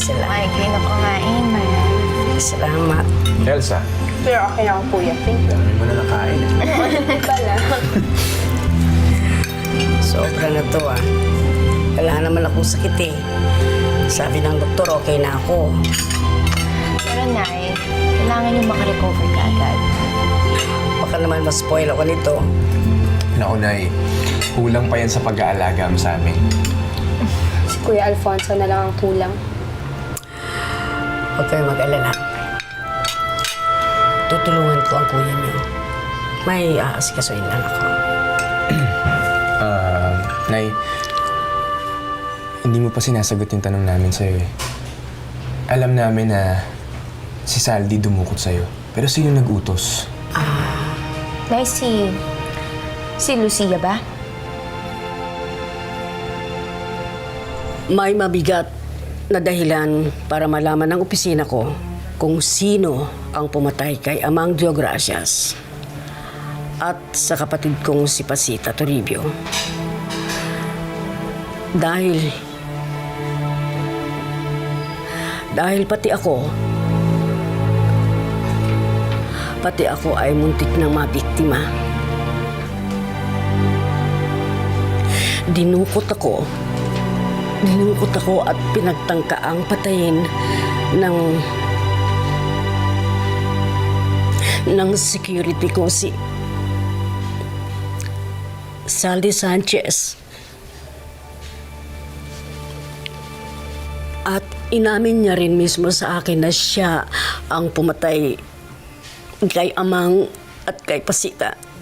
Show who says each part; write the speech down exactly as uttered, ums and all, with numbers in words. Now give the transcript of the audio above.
Speaker 1: sila.
Speaker 2: Ay, kayo na kumain, ma.
Speaker 1: Salamat.
Speaker 3: Elsa,
Speaker 4: Pero okay lang, kuya. Thank you.
Speaker 3: dami mo na nakain.
Speaker 4: Pala.
Speaker 1: Sobra na to ah. Wala naman akong sakit eh. Sabi ng doktor, okay na ako.
Speaker 2: Pero, Nay, kailangan yung makarecover ka agad.
Speaker 1: Baka naman ma-spoil ako nito.
Speaker 3: Naku, Nay. Kulang pa yan sa pag-aalaga mo sa amin.
Speaker 4: Si Kuya Alfonso na lang ang kulang.
Speaker 1: Huwag kayo mag-alala. Tutulungan ko ang kuya niyo. May aasikasuin lang ako.
Speaker 3: Ah, Nay, hindi mo pa sinasagot yung tanong namin sa'yo eh. Alam namin na si Saldi dumukot sa'yo. Pero sino nag-utos?
Speaker 2: Nay, si... si Lucia ba?
Speaker 1: May mabigat na dahilan para malaman ng opisina ko kung sino ang pumatay kay Amang Diogracias at sa kapatid kong si Pasita Toribio. Dahil... Dahil pati ako, pati ako ay muntik ng mabiktima. Dinukot ako, dinukot ako at pinagtangkaang patayin ng ng security ko si Saldi Sanchez. At inamin niya rin mismo sa akin na siya ang pumatay kay Amang at kay Pasita.